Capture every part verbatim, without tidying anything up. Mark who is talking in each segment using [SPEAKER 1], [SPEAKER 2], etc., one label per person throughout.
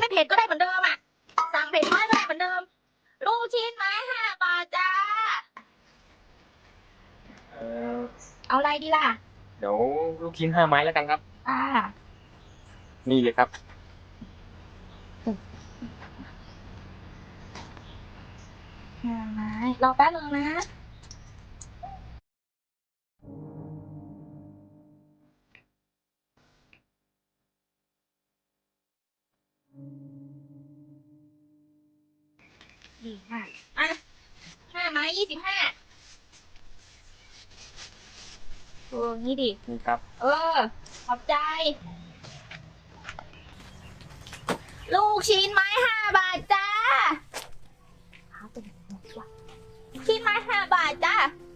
[SPEAKER 1] ไม่เผ็ดก็ได้เหมือนเดิมอ่ะสั่งเผ็ดน้อยก็ได้เหมือนเดิมลูกชิ้นไม้ห้าบาทจ้า
[SPEAKER 2] เออ
[SPEAKER 1] เอาอะไรดีล่ะ
[SPEAKER 2] เดี๋ยวลูกชิ้นห้าไม้แล้วกันครับ
[SPEAKER 1] อ่า
[SPEAKER 2] นี่เลยครับ
[SPEAKER 1] ห้าไม้รอแป๊บนึงนะดีค่ะอ่ะห้าไม้ยี่สิบห้าโอ้งี้ดิ
[SPEAKER 2] นี่ครับ
[SPEAKER 1] เออขอบใจลูกชิ้นไม้ห้าบาทจ้าชิ้นไม้ห้าบาทจ้า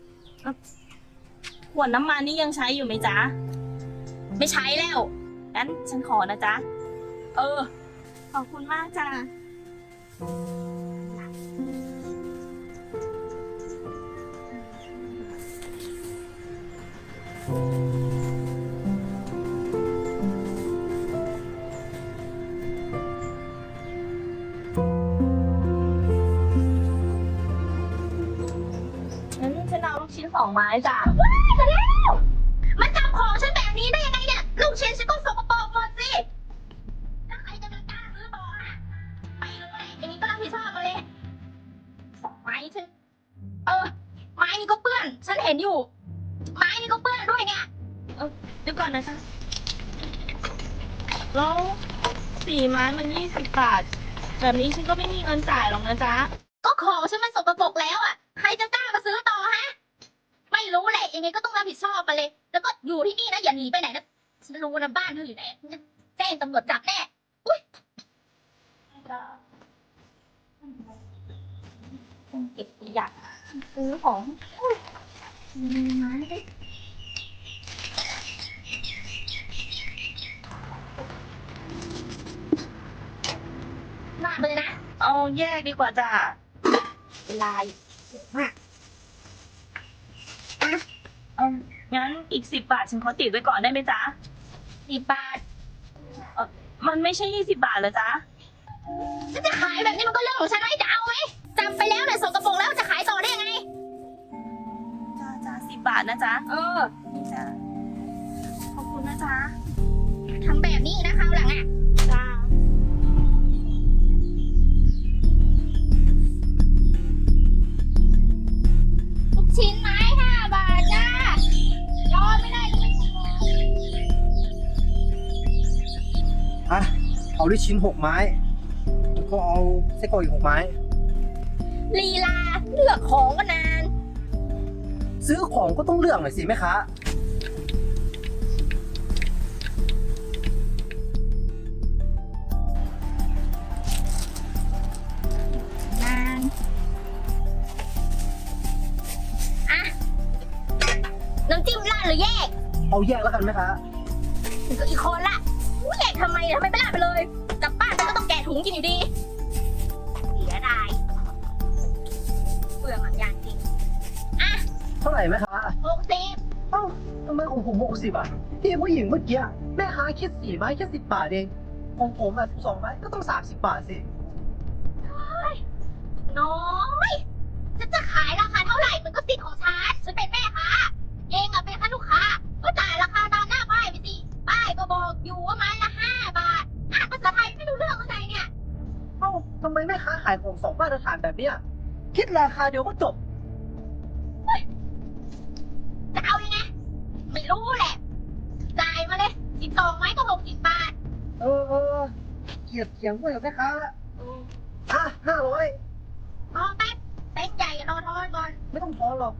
[SPEAKER 3] ขวดน้ำมันนี่ยังใช้อยู่ไหมจ๊ะ
[SPEAKER 1] ไม่ใช้แล้ว
[SPEAKER 3] งั้นฉันขอนะจ๊ะเออขอบคุณมากจ้ะงั้นฉันเอาลูกชิ้นสองไม้จ้ะ
[SPEAKER 1] ว้ายมาแล้วมาจับของฉันแบบนี้ได้ยังไงเนี่ยลูกชิ้นฉันก็สกปรกหมดสิถ้าใครจะมากล้าซื้อต่ออ่ะไปเลยอย่างนี้ก็รับผิดชอบมาเลยไม้ฉันเออไม้นี่ก็เปื้อนฉันเห็นอยู่ไม้นี่ก็เปื้อนด้วยเนี่ย
[SPEAKER 3] เออเดี๋ยวก่อนนะจ๊ะแล้วสี่ไม้มันยี่สิบบาทแบบนี้ฉันก็ไม่มีเงินจ่ายหรอกนะจ๊ะ
[SPEAKER 1] ก็ของฉันมันสกปรกแล้วอ่ะใครจะกล้ามาซื้อต่อฮะไม่รู้แหละยังไงก็ต้องรับผิดชอบมาเลย แล้วก็อยู่ที่นี่นะอย่าหนีไปไหนนะฉันรู้นะบ้านเธออยู่ไหนแจ้งตำรวจจับแน่อุ้ยต้องเก็บขยะซื้อของอุ้ยมีไม้ด้วยหน้าไปเลยนะ
[SPEAKER 3] เอาแยกดีกว่าจ้ะ
[SPEAKER 1] เวลามาก
[SPEAKER 3] เอางั้นอีกสิบบาทฉันขอติดไว้ก่อนได้ไหมจ๊ะ
[SPEAKER 1] สิบบาท
[SPEAKER 3] เออมันไม่ใช่ยี่สิบบาทเหรอจ๊ะ
[SPEAKER 1] ฉันจะขายแบบนี้มันก็เรื่องของฉันไม่จะเอาไหมจำไปแล้วเนี่ยส่งกระโปรงแล้วจะขายต่อได้ยังไง
[SPEAKER 3] จ้าจ้าสิบบาทนะจ๊ะ
[SPEAKER 1] เออ
[SPEAKER 3] จ้าขอบคุณนะจ๊ะ
[SPEAKER 1] ทำแบบนี้นะคราวหลังอ่ะ
[SPEAKER 3] จ้า
[SPEAKER 1] ลูกชิ้นไม้ห้าบาทจ้ารอไม่ได้เลย
[SPEAKER 4] อ่ะเอาลูกชิ้นหกไม้แล้วก็เอาไส้กรอกอีกหกไม้
[SPEAKER 1] ลีลาเลือกของก็นาน
[SPEAKER 4] ซื้อของก็ต้องเลือกหน่อยสิแม่ค้า
[SPEAKER 1] นานอ่ะน้ำจิ้มราดหรือแยก
[SPEAKER 4] เอาแยกแล้วกันแม่ค้า
[SPEAKER 1] ถึงก็อีกคนละแยกทำไมทำไมไม่ราดไปเลยกลับบ้านไปก็ต้องแกะถุงกินอยู่ดีเสียดายเปลืองหลังยางจริงอ่ะ
[SPEAKER 4] เท่าไหร่แม่ค้า
[SPEAKER 1] หกสิบ
[SPEAKER 4] เอ้าทำไมของผมหกสิบอ่ะที่ผู้หญิงเมื่อกี้แม่ค้าคิดสี่ไม้แค่สิบบาทเองของผมอ่ะสิบสองไม้ก็ต้องสามสิบบาทสิ
[SPEAKER 1] น้อยฉันจะขายราคาเท่าไหร่มันก็สิทธิ์ของฉันฉันเป็นแม่ค้าเองอะเป็นแค่ลูกค้าก็จ่ายราคาตามหน้าป้ายไปสิป้ายก็บอกอยู่ว่าไม้ละห้าบาทอ่านภาษาไทยไม่รู้เรื่องอะไรเนี่ย
[SPEAKER 4] เอ้าทำไมแม่ค้าขายของสองมาตรฐานแบบเนี้ยคิดราคาเดียวก็จบ
[SPEAKER 1] จะเอายังไงไม่รู้แหละจ่ายมาเลยสิบสองไม้ก็หกสิบบาท
[SPEAKER 4] เออเออเกลียดเถียงด้วยกับแม่ค้าละอ่ะห้าร้อย
[SPEAKER 1] รอแป๊บเต้นใหญ่รอทอนก่อน
[SPEAKER 4] ไม่ต้องทอนหรอก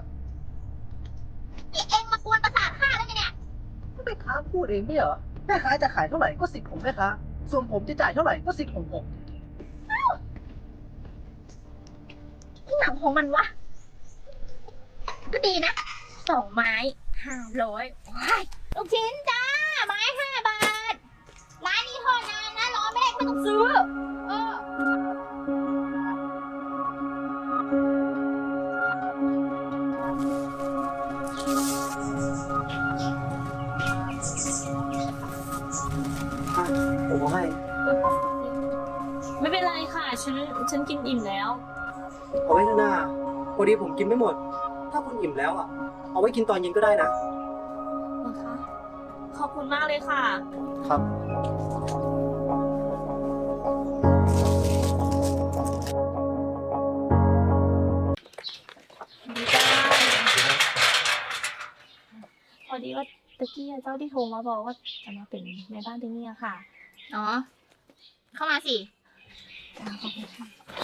[SPEAKER 1] นี่เองมากวนประสาทข้าแล้วไงเนี่ย
[SPEAKER 4] แม่ค้าพูดเองไม่เหรอแม่ค้าจะขายเท่าไหร่ก็สิทธิ์ของแม่ค้าส่วนผมจะจ่ายเท่าไหร่ก็สิทธิ์ของผม
[SPEAKER 1] หนังของมันวะก็ดีนะสองไม้ห้าร้อยลูกชิ้นจ้าไม้ห้าบาทร้านนี้ทอดนานนะรอไม่ได้ก็ไม่ต้องซื้อเออ
[SPEAKER 4] ผมเอาให้
[SPEAKER 1] เออ
[SPEAKER 3] ฉันฉันกินอิ่มแล้ว
[SPEAKER 4] เอาไว้เถอะนะพอดีผมกินไม่หมด ถ้าคุณอิ่มแล้วอ่ะ เอาไว้กินตอนเย็นก็ได้นะ
[SPEAKER 3] นะคะ ขอบคุณมากเลยค่ะ
[SPEAKER 4] ครับ
[SPEAKER 3] ดีจ้าพอดีว่าตะกี้เจ้าที่โทรมาบอกว่าจะมาเป็นแม่บ้านที่นี่อะค่ะ
[SPEAKER 1] อ๋อ เข้ามาสิ
[SPEAKER 3] จ้าขอบคุณค่ะ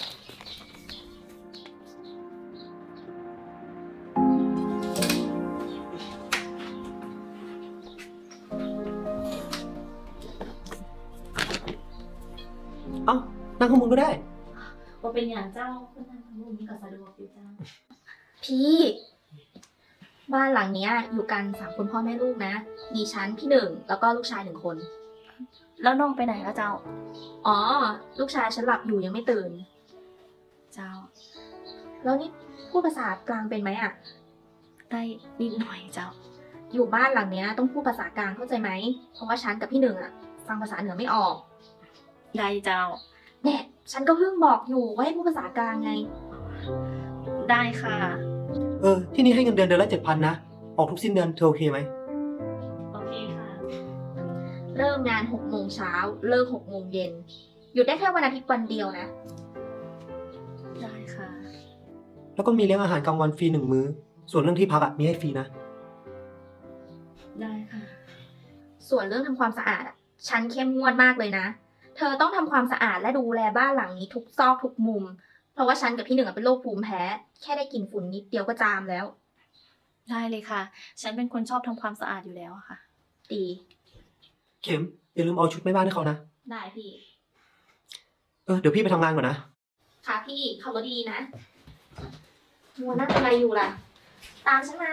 [SPEAKER 4] เอ้า นั่งข้างบนก็ได้
[SPEAKER 3] ว่าเป็นอย่างเจ้าเพื่อนทำมุมนี้ก็สะดวกอยู่จ้า
[SPEAKER 1] พี่ บ้านหลังเนี้ย อยู่กันสามคนพ่อแม่ลูกนะ มีฉันพี่หนึ่งแล้วก็ลูกชายหนึ่งคน
[SPEAKER 3] แล้วน้องไปไหนแล้วเจ้า
[SPEAKER 1] อ๋อ ลูกชายฉันหลับอยู่ยังไม่ตื่น
[SPEAKER 3] เจ้า
[SPEAKER 1] แล้วนี่พูดภาษากลางเป็นไหมอะ
[SPEAKER 3] ได้นิดหน่อยเจ้า
[SPEAKER 1] อยู่บ้านหลังเนี้ยต้องพูดภาษากลางเข้าใจไหม เพราะว่าฉันกับพี่หนึ่งอะฟังภาษาเหนือไม่ออก
[SPEAKER 3] ได้เจ้า
[SPEAKER 1] แน่ฉันก็เพิ่งบอกอยู่ว่าให้พูดภาษากลางไง
[SPEAKER 3] ได้ค่ะ
[SPEAKER 4] เออ ที่นี่ให้เงินเดือนเดือนละเจ็ดพันนะ ออกทุกสิ้นเดือนเธอโอเคไหม
[SPEAKER 3] โอเคค่ะ
[SPEAKER 1] เริ่มงานหกโมงเช้าเลิกหกโมงเย็นหยุดได้แค่วันอาทิตย์วันเดียวนะ
[SPEAKER 3] ได้ค่ะ
[SPEAKER 4] แล้วก็มีเลี้ยงอาหารกลางวันฟรีหนึ่งมื้อ ส่วนเรื่องที่พักอะมีให้ฟรีนะ
[SPEAKER 3] ได้ค่ะ
[SPEAKER 1] ส่วนเรื่องทำความสะอาดอะฉันเข้มงวดมากเลยนะ เธอต้องทำความสะอาดและดูแลบ้านหลังนี้ทุกซอกทุกมุม เพราะว่าฉันกับพี่หนึ่งอะเป็นโรคภูมิแพ้ แค่ได้กลิ่นฝุ่นนิดเดียวก็จามแล้ว
[SPEAKER 3] ได้เลยค่ะ ฉันเป็นคนชอบทำความสะอาดอยู่แล้วอะค่ะ
[SPEAKER 1] ดี
[SPEAKER 4] เข็มอย่าลืมเอาชุดแม่บ้านให้เขานะ
[SPEAKER 1] ได้พี่
[SPEAKER 4] เออ เดี๋ยวพี่ไปทำงานก่อนนะ
[SPEAKER 1] ค่ะพี่ขับรถดีๆนะมัวนั่งทำอะไรอยู่ล่ะ ตามฉันมา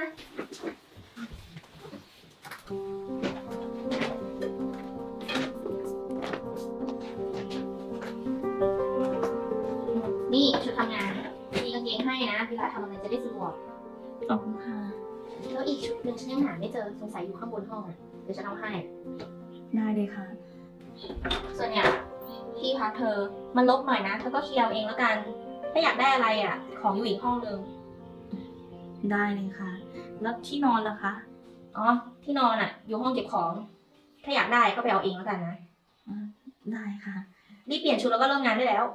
[SPEAKER 1] นี่ชุดทำงาน มีกางเกงให้นะเวลาทำอะไรจะได้สะดวก
[SPEAKER 3] ขอบคุณค่ะ
[SPEAKER 1] แล้วอีกชุดหนึ่งฉันยังหาไม่เจอสงสัยอยู่ข้างบนห้องอะเดี๋ยวฉันเอาให้
[SPEAKER 3] ได้เลยค่ะ
[SPEAKER 1] ส่วนเนี่ยที่พักเธอ มันลบหน่อยนะเธอก็เคลียร์เอาเองแล้วกัน ถ้าอยากได้อะไรอ่ะ ของอยู่อีกห้องนึง
[SPEAKER 3] ได้เลยค่ะ แล้วที่นอนล่ะคะ
[SPEAKER 1] อ๋อ ที่นอนอ่ะ อยู่ห้องเก็บของ ถ้าอยากได้ก็ไปเอาเองแล้วกันนะ
[SPEAKER 3] อ่าได้ค่ะ
[SPEAKER 1] รีบเปลี่ยนชุดแล้วก็เริ่มงานได้แล้ว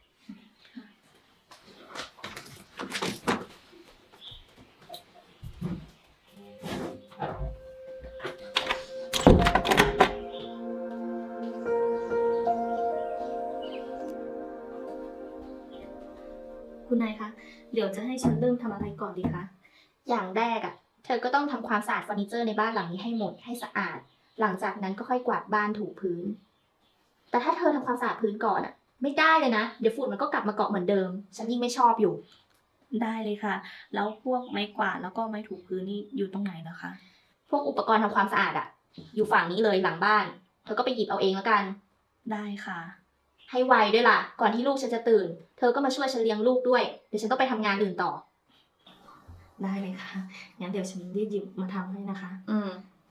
[SPEAKER 3] คุณนายคะ เดี๋ยวจะให้ฉันเริ่มทำอะไรก่อนดีคะ
[SPEAKER 1] อย่างแรกอ่ะ เธอก็ต้องทำความสะอาดเฟอร์นิเจอร์ในบ้านหลังนี้ให้หมดให้สะอาด หลังจากนั้นก็ค่อยกวาดบ้านถูพื้น แต่ถ้าเธอทำความสะอาดพื้นก่อนอ่ะ ไม่ได้เลยนะ เดี๋ยวฝุ่นมันก็กลับมาเกาะเหมือนเดิม ฉันยิ่งไม่ชอบอยู่
[SPEAKER 3] ได้เลยค่ะ แล้วพวกไม้กวาดแล้วก็ไม้ถูพื้นนี่อยู่ตรงไหนนะคะ
[SPEAKER 1] พวกอุปกรณ์ทำความสะอาดอ่ะ อยู่ฝั่งนี้เลยหลังบ้าน เธอก็ไปหยิบเอาเองแล้วกัน
[SPEAKER 3] ได้ค่ะ
[SPEAKER 1] ให้ไวด้วยล่ะ ก่อนที่ลูกฉันจะตื่น เธอก็มาช่วยฉันเลี้ยงลูกด้วย เดี๋ยวฉันต้องไปทำงานอื่นต่อ
[SPEAKER 3] ได้เลยค่ะ งั้นเดี๋ยวฉันรีบหยิบมาทำให้นะคะ
[SPEAKER 1] อืม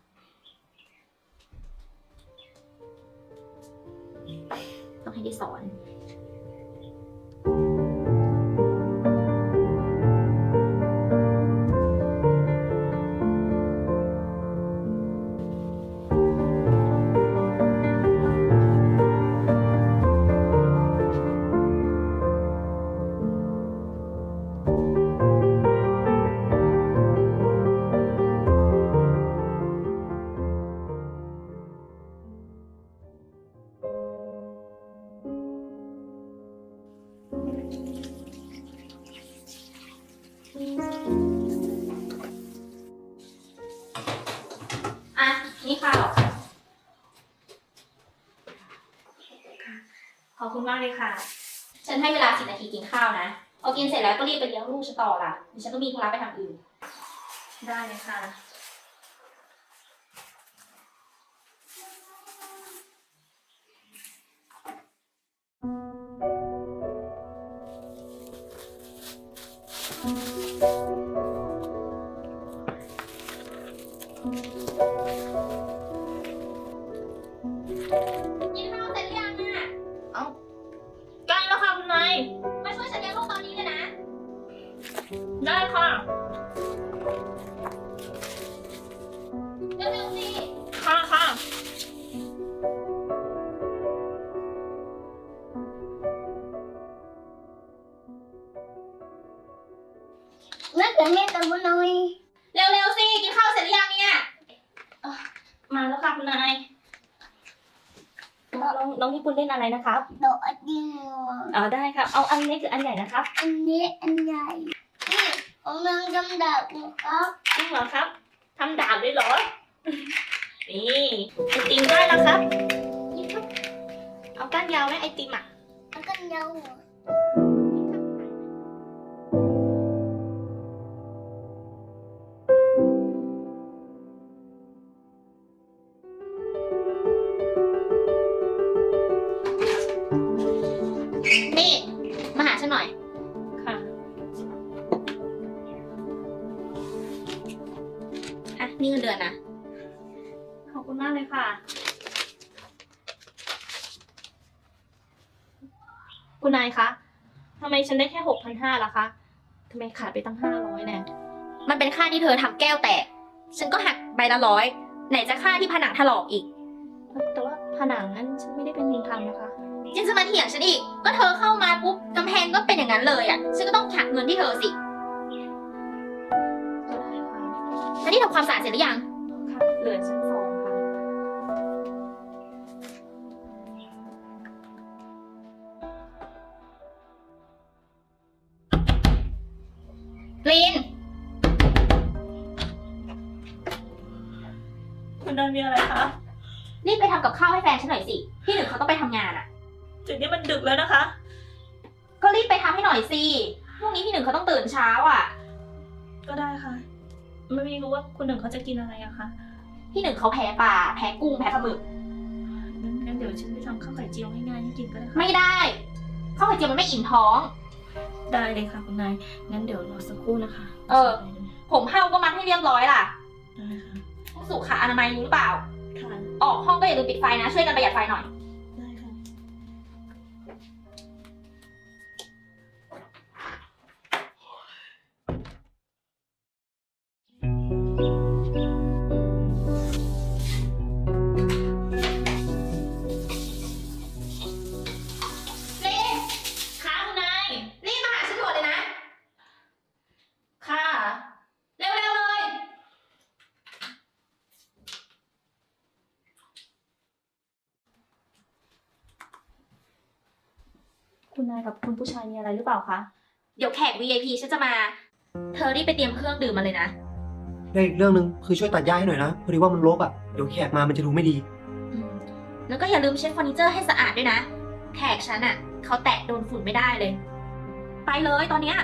[SPEAKER 1] ต้องให้ได้สอน อ่ะ นี่ข้าว
[SPEAKER 3] ขอบคุณมากเลยค่ะ
[SPEAKER 1] ฉันให้เวลาสิบนาทีกินข้าวนะ พอกินเสร็จแล้วก็รีบไปเลี้ยงลูกฉันต่อล่ะเดี๋ยวฉันต้องมีธุระไปทางอื่น
[SPEAKER 3] ได้เลยค่ะ
[SPEAKER 1] กินข้าวเสร็จหรือยังอ่ะ
[SPEAKER 3] เอ้าใกล้แล้วค่ะได้ค่ะ
[SPEAKER 1] เร็วๆสิ
[SPEAKER 3] ค่ะค่ะ
[SPEAKER 1] งั้นเดี๋ยวแม่ตามมาหน่อยเร็วๆสิกินข้าวเสร็จหรือยังเนี่ย
[SPEAKER 3] มาแล้วค่ะคุณนายน้องน้องพี่ปุณเล่นอะไรนะครับ
[SPEAKER 1] ดอกอันเดียว
[SPEAKER 3] อ๋อได้ครับ เอาอันเล็กหรืออันใหญ่นะครับ
[SPEAKER 1] อันนี้อันใหญ่นี่ของนางกำดับนะครับ
[SPEAKER 3] จริงเหรอครับทำดาบเลยเหรอ นี่ไอติมได้แล้วครับ นี่ครับ เอาก้านยาวไหมไอติมอ่ะ
[SPEAKER 1] แล้วก็ยาวหัวนี่มาหาฉันหน่อย
[SPEAKER 3] ค่ะ
[SPEAKER 1] อ่ะ นี่เงินเดือนนะ
[SPEAKER 3] ขอบคุณมากเลยค่ะ คุณนายคะทำไมฉันได้แค่หกพันห้าล่ะคะทำไมขาดไปตั้งห้าร้อยแน่
[SPEAKER 1] มันเป็นค่าที่เธอทำแก้วแตก ฉันก็หักใบละร้อย ไหนจะค่าที่ผนังถลอกอีก
[SPEAKER 3] แต่ว่าผนังนั้นฉันไม่ได้เป็นคนทำนะคะ
[SPEAKER 1] ยังจะมาเถียงฉันอีก ก็เธอเข้ามาปุ๊บกำแพงก็เป็นอย่างนั้นเลยอ่ะ ฉันก็ต้องหักเงินที่เธอสิ
[SPEAKER 3] ก็ได้ค่ะ
[SPEAKER 1] แล้วนี่ทำความสะอาดเสร็จหรือยัง
[SPEAKER 3] ค่ะ เหลือชั้นสองค่ะ
[SPEAKER 1] ลิน
[SPEAKER 3] คุณนายมีอะไรคะ
[SPEAKER 1] รีบไปทำกับข้าวให้แฟนฉันหน่อยสิ พี่หนึ่งเขาต้องไปทำงานอ่ะ
[SPEAKER 3] จุดนี้มันดึกแล้วนะคะ
[SPEAKER 1] ก็รีบไปทำให้หน่อยสิ พรุ่งนี้พี่หนึ่งเขาต้องตื่นเช้าอ่ะ
[SPEAKER 3] ก็ได้ค่ะ ไม่รู้ว่าคุณหนึ่งเขาจะกินอะไรอะคะ
[SPEAKER 1] พี่หนึ่งเขาแพ้ปลา แพ้กุ้ง แพ้ปลาหมึก
[SPEAKER 3] งั้นงั้นเดี๋ยวฉันไปทำข้าวไข่เจียวง่ายๆให้กินก็ได้ค่ะ
[SPEAKER 1] ไม่ได้ ข้าวไข่เจียวมันไม่อิ่มท้อง
[SPEAKER 3] ได้เลยค่ะคุณนาย งั้นเดี๋ยวรอสักครู่นะคะ
[SPEAKER 1] เออ ผมเห่าก็มัดให้เรียบร้อยล่ะ
[SPEAKER 3] ได้ค่ะ
[SPEAKER 1] สุขอนามัยรู้หรือเปล่า
[SPEAKER 3] ค่ะ
[SPEAKER 1] ออกห้องก็อย่าลืมปิดไฟนะ ช่วยกันประหยัดไฟหน่อย
[SPEAKER 3] ได้ค่ะ
[SPEAKER 1] ลิน
[SPEAKER 3] ค่ะคุณนาย
[SPEAKER 1] รีบมาหาฉันด่วนเลยนะ
[SPEAKER 3] ค่ะ
[SPEAKER 1] เร็วๆเลย
[SPEAKER 3] คุณนายกับคุณผู้ชายมีอะไรหรือเปล่าคะ
[SPEAKER 1] เดี๋ยวแขก วี ไอ พี ฉันจะมา เธอรีบไปเตรียมเครื่องดื่มมาเลยนะ
[SPEAKER 4] และอีกเรื่องหนึ่งคือช่วยตัดหญ้าให้หน่อยนะพอดีว่ามันรกอ่ะเดี๋ยวแขกมามันจะดูไม่ดี
[SPEAKER 1] อืมแล้วก็อย่าลืมเช็ดเฟอร์นิเจอร์ให้สะอาดด้วยนะ แขกฉันอ่ะเขาแตะโดนฝุ่นไม่ได้เลย ไปเลยตอนเนี้ย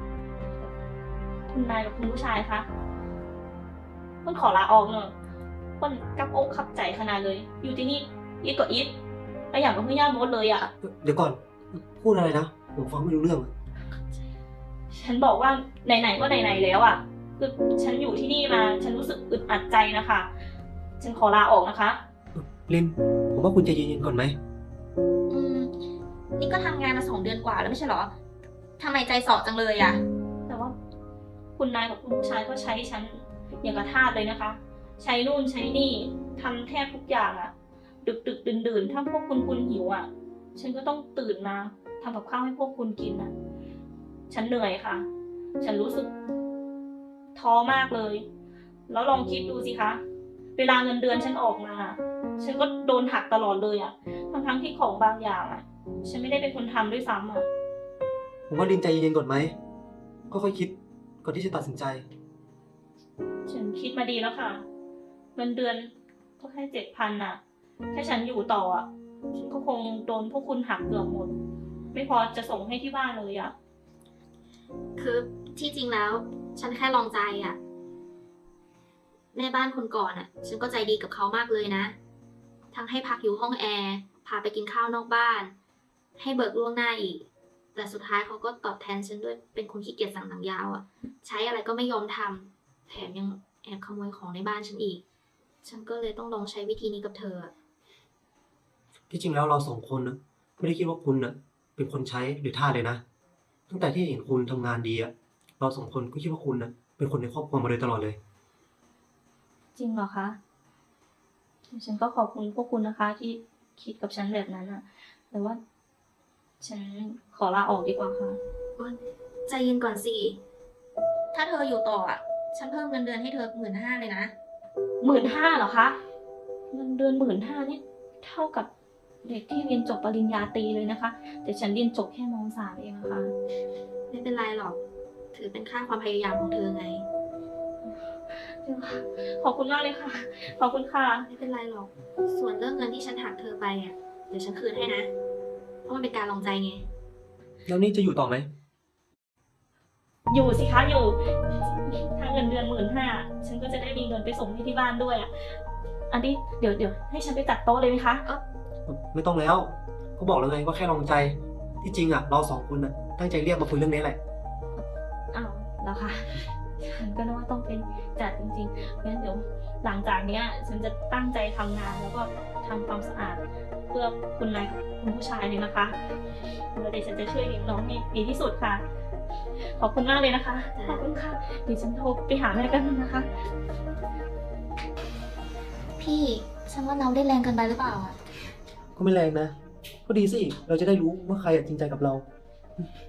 [SPEAKER 3] คุณนายกับคุณผู้ชายคะคุณขอลาออกเนอะคนกับอกขับใจขนาดเลย อยู่ที่นี่อีทก็อีทแล้วอย่างกับเพื่อนย่าโมดเลยอ่ะ
[SPEAKER 4] เดี๋ยวก่อนพูดอะไรนะผมฟังไม่รู้เรื่องอะ
[SPEAKER 3] ฉันบอกว่าไหนๆก็ไหนๆแล้วอ่ะคือฉันอยู่ที่นี่มา ฉันรู้สึกอึดอัดใจนะคะ ฉันขอลาออกนะคะ
[SPEAKER 4] ลินผมว่าคุณใจเย็นๆก่อนไหม
[SPEAKER 1] อืม นี่ก็ทำงานมาสองเดือนกว่าแล้วไม่ใช่เหรอทำไมใจสอจังเลยอ่ะ
[SPEAKER 3] แต่ว่าคุณนายกับคุณผู้ชายก็ใช้ฉันอย่างกระทาสเลยนะคะ ใช้นู่นใช้นี่ทำแทบทุกอย่างอะดึกดึกดื่นดื่นๆถ้าพวกคุณคุณหิวอะฉันก็ต้องตื่นมาทำกับข้าวให้พวกคุณกินอะฉันเหนื่อยค่ะ ฉันรู้สึกท้อมากเลย แล้วลองคิดดูสิคะเวลาเงินเดือนฉันออกมา ฉันก็โดนหักตลอดเลยอะทั้งทั้งๆที่ของบางอย่างอะฉันไม่ได้เป็นคนทำด้วยซ้ำอะ
[SPEAKER 4] ผมว่าลินใจเย็นๆก่อนไหมก็ค่อยคิดก่อนที่จะตัดสินใจ
[SPEAKER 3] ฉันคิดมาดีแล้วค่ะ เงินเดือนก็แค่เจ็ดพันน่ะ ถ้าฉันอยู่ต่ออ่ะฉันก็คงโดนพวกคุณหักเกือบหมด ไม่พอจะส่งให้ที่บ้านเลยอ่ะ
[SPEAKER 1] คือที่จริงแล้ว ฉันแค่ลองใจอ่ะ แม่บ้านคนก่อนอ่ะ ฉันก็ใจดีกับเขามากเลยนะ ทั้งให้พักอยู่ห้องแอร์พาไปกินข้าวนอกบ้าน ให้เบิกล่วงหน้าอีก แต่สุดท้ายเขาก็ตอบแทนฉันด้วยเป็นคนขี้เกียจสั่งหนังยาวอ่ะ ใช้อะไรก็ไม่ยอมทำแถมยังแอบขโมยของในบ้านฉันอีก ฉันก็เลยต้องลองใช้วิธีนี้กับเธออะ
[SPEAKER 4] ที่จริงแล้วเราสองคนนะไม่ได้คิดว่าคุณน่ะเป็นคนใช้หรือท่าสเลยนะตั้งแต่ที่เห็นคุณทำงานดีอะเราสองคนก็คิดว่าคุณนะเป็นคนในครอบครัวมาโดยตลอดเลย
[SPEAKER 3] จริงเหรอคะฉันก็ขอบคุณพวกคุณนะคะ ที่คิดกับฉันแบบนั้นอะแต่ว่า ฉันขอลาออกดีกว่าค่ะ
[SPEAKER 1] ใจเย็นก่อนสิ ถ้าเธออยู่ต่ออ่ะ ฉันเพิ่มเงินเดือนให้เธอหมื่นห้าเลยนะ
[SPEAKER 3] หมื่นห้าเหรอคะ เงินเดือนหมื่นห้านี่เท่ากับเด็กที่เรียนจบปริญญาตรีเลยนะคะ แต่ฉันเรียนจบแค่มสามเองอะค่ะ
[SPEAKER 1] ไม่เป็นไรหรอก ถือเป็นค่าความพยายามของเธอไง
[SPEAKER 3] จริงค่ะขอบคุณมากเลยค่ะ ขอบคุณค่ะ
[SPEAKER 1] ไม่เป็นไรหรอก ส่วนเรื่องเงินที่ฉันหักเธอไปอ่ะ เดี๋ยวฉันคืนให้นะ เพราะมันเป็นการลองใจไง
[SPEAKER 4] แล้วนี่จะอยู่ต่อไหม
[SPEAKER 3] อยู่สิคะอยู่ ถ้าเงินเดือนหมื่นห้าฉันก็จะได้มีเงินไปส่งให้ที่บ้านด้วยอ่ะ อันนี้เดี๋ยวเดี๋ยวให้ฉันไปจัดโต๊ะเลยไหมคะ
[SPEAKER 4] ไม่ต้องแล้ว ก็บอกแล้วไงว่าแค่ลองใจ ที่จริงอ่ะ เราสองคนน่ะตั้งใจเรียกมาคุยเรื่องนี้แหละ
[SPEAKER 3] อ้าวแล้วค่ะ ฉันก็นึกว่าต้องเป็นจัดจริงๆงั้นเดี๋ยวหลังจากเนี้ย ฉันจะตั้งใจทำงานแล้วก็ทำความสะอาด เพื่อคุณนายกับคุณผู้ชายเลยนะคะแล้วเดี๋ยวฉันจะช่วยเลี้ยงน้องให้ดีที่สุดค่ะ ขอบคุณมากเลยนะคะ ขอบคุณค่ะ เดี๋ยวฉันโทรไปหาแม่กันงนะคะ
[SPEAKER 1] พี่ ฉันว่าเราได้แรงเกินไปหรือเปล่าอ่ะ
[SPEAKER 4] ก็ไม่แรงนะ ก็ดีสิ เราจะได้รู้ว่าใครอะจริงใจกับเรา